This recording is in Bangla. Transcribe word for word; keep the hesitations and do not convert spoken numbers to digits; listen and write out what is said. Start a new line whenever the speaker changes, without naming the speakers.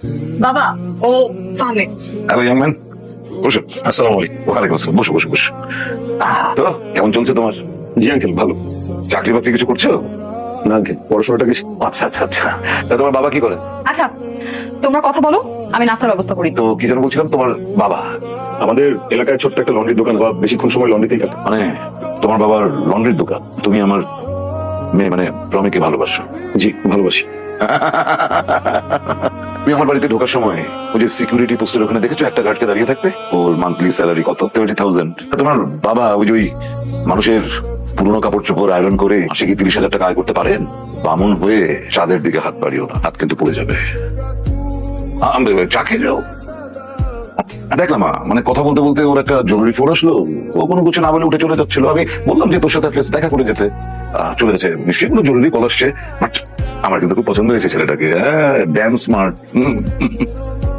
বাবা ও ফাহমি।
হ্যালো ইয়াং ম্যান, বসো। আসসালামু আলাইকুম। ওয়ালাইকুম আসসালাম। বসো বসো বসো। তো কেমন চলছে তোমার?
জি আঙ্কেল, ভালো।
চাকরি বাকরি কিছু করছো?
না আঙ্কেল, পড়াশোনাটা কিছু।
আচ্ছা আচ্ছা আচ্ছা। তা তোমার বাবা কি করে?
আচ্ছা তোমরা কথা বলো, আমি নাস্তার ব্যবস্থা করি।
তো কি যেন বলছিলাম, তোমার বাবা
আমাদের এলাকায় ছোট্ট একটা লন্ড্রির দোকান, বা বেশিক্ষণ সময় লন্ড্রিতেই কাটে।
মানে তোমার বাবার লন্ড্রির দোকান। তুমি আমার মেয়ে মানে প্রমিকে ভালোবাসো?
জি, ভালোবাসি।
তুমি আমার বাড়িতে ঢোকার সময় ওই যে সিকিউরিটি পোস্টের ওখানে দেখেছো একটা গার্ডকে দাঁড়িয়ে থাকতে? ওর মান্থলি স্যালারি কত? Twenty thousand. তোমার বাবা ওই যে ওই মানুষের পুরোনো কাপড় চোপড় আয়রন করে মাসে কি তিরিশ হাজার টাকা আয় করতে পারেন? বামুন হয়ে চাঁদের দিকে হাত বাড়িও না, হাত কিন্তু পড়ে যাবে। আম- চা খেয়ে যাও। দেখলাম মা, মানে কথা বলতে বলতে ওর একটা জরুরি ফোন আসলো। ও কোনো কিছু না বলে উঠে চলে যাচ্ছিল। আমি বললাম যে তোর সাথে প্লিজ দেখা করে যেতে। আহ, চলে গেছে। নিশ্চয়ই কোনো জরুরি কল আসছে। বাট আমার কিন্তু খুব পছন্দ হয়েছে ছেলেটাকে। হ্যাঁ, ড্যাম স্মার্ট।